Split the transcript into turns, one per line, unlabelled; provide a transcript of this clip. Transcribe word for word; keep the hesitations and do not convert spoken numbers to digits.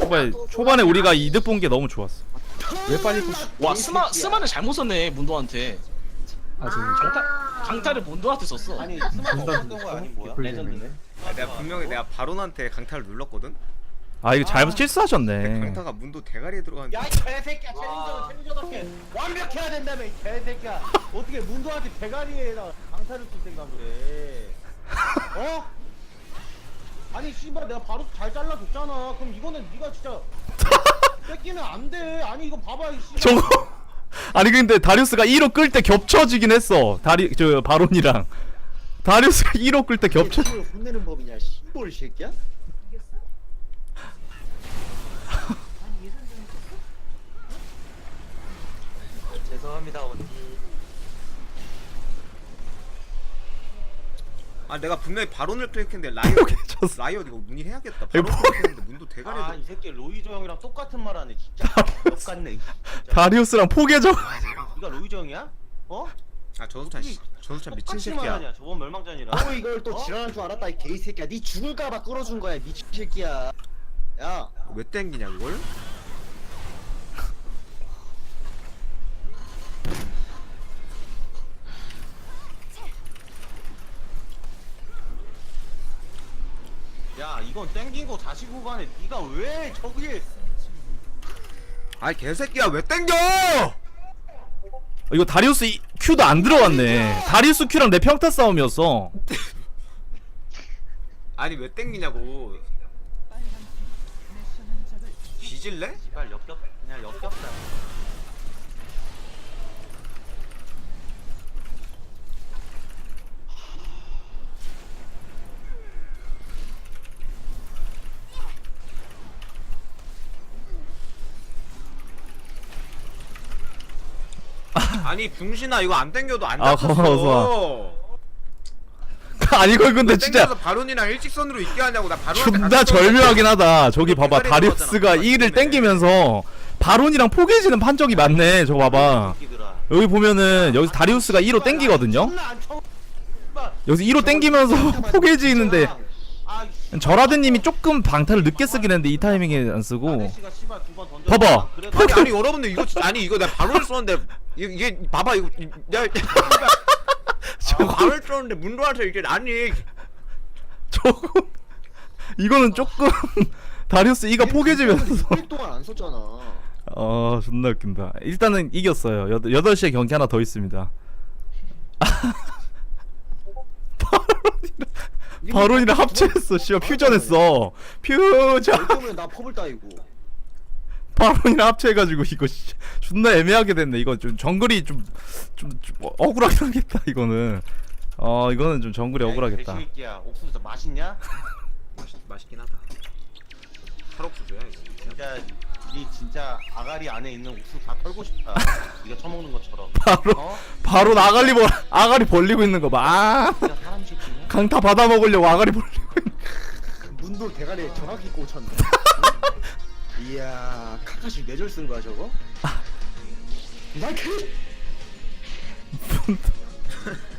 초반에 초반에 우리가 이득 본 게 너무 좋았어.
왜 빨리 푸시?
와 스마 스마는 잘못 썼네 문도한테.
아 지금
강타 강타를 문도한테 썼어.
아니 스마트 없었던 거야 아니 뭐야? 레전드네.
아, 내가 분명히 내가 바론한테 강타를 눌렀거든.
아 이거 잘못
근데
실수하셨네.
강타가 문도 대가리에 들어가는데.
야이 개새끼야 챌린저는 챌린저답게 완벽해야 된다며 이 개새끼야. 어떻게 문도한테 대가리에다 강타를 쓸 생각을 해? 어? 아니 씨발 내가 바로 잘 잘라줬잖아. 그럼 이거는 네가 진짜 뺏기면 안 돼. 아니 이거 봐봐 이 씨발.
저거 아니 근데 다리우스가 일 호 끌 때 겹쳐지긴 했어. 다리 저 바론이랑 다리우스가 일 호 끌 때 겹쳐.
팀을 혼내는 법이냐 씨발 새끼야? 죄송합니다 언니.
아 내가 분명히 바론을 클릭했는데 라이엇
포기해줬어.
라이엇 이거 문의해야겠다.
이거
바론
포-
클릭했는데 문도 대가리에
아
들어.
이 새끼 로이조 형이랑 똑같은 말 하네 진짜. 똑같네.
다리우스랑 포개져.
네가 로이조 형이야? 어?
아 저수찬 씨, 저수찬 미친
똑같이
새끼야.
말하냐 저번 멸망전이라.
너 이걸 또 지랄할 줄 알았다 이 개이 새끼야. 니 죽을까봐 끌어준 거야 미친 새끼야. 야,
왜 땡기냐 이걸?
야 이건 땡긴 거 다시 구간에 네가 왜 저기
아이 개새끼야 왜 땡겨?
이거 다리우스 이- Q도 안 들어갔네. 다리우스 Q랑 내 평타 싸움이었어.
아니 왜 땡기냐고. 뒤질래?
씨발 역겹 그냥 역겹다.
아니 병신아 이거 안 땡겨도 안
아,
잡혔어.
고마워, 아니 이거 근데 진짜
땡겨서 바론이랑 일직선으로 있게 하냐고. 나 바론한테
존나
갔었는데.
절묘하긴 하다. 저기 봐봐
대가리
다리우스가
들어가잖아.
이를
맞네.
땡기면서 바론이랑 포개지는 판정이 많네. 저거 봐봐.
새끼들아.
여기 보면은 여기 다리우스가 일 호 땡기거든요.
존나 안 쳐- 씨발.
여기서 일 호 땡기면서 포개지 있는데
아, 씨.
저라드님이 조금 방타를 늦게 쓰긴 했는데 이 타이밍에 안 쓰고.
아저씨가 씨발 두번 던져.
봐봐.
그래도
아니 아니 여러분들 이거 진짜 아니 이거 내가 바론을 썼는데 이게, 이게 봐봐 이거 내가 저 바론을 썼는데 문도한테 이게 아니
저거 이거는 조금 다리우스 이가 포개지면서
육 일 동안 안 썼잖아.
어 존나 웃긴다. 일단은 이겼어요. 여덟, 여덟 시에 경기 하나 더 있습니다. 바론이랑 바론이랑 합체했어. 씨발 퓨전했어. 퓨전.
때문에 나 펍을 따이고.
바론이랑 합체해가지고 이거 씨, 존나 애매하게 됐네. 이거 좀 정글이 좀 좀 좀 억울하긴 하겠다. 이거는 어 이거는 좀 정글이 억울하겠다.
개새끼야 옥수수 맛있냐?
맛있, 맛있긴 하다. 탈옥수수야 이거.
진짜 니 진짜 아가리 안에 있는 옥수수 다 털고 싶다. 네가 처먹는 것처럼.
바로
어?
바로 아가리 벌 아가리 벌리고 있는 거 봐. 아
진짜 사람 새끼냐?
강타 받아 먹으려고 아가리 벌리고 있는.
문도 대가리에 정확히 꽂혔네. 응? 이야, 카카시 뇌절 쓴 거야 저거? 나 그.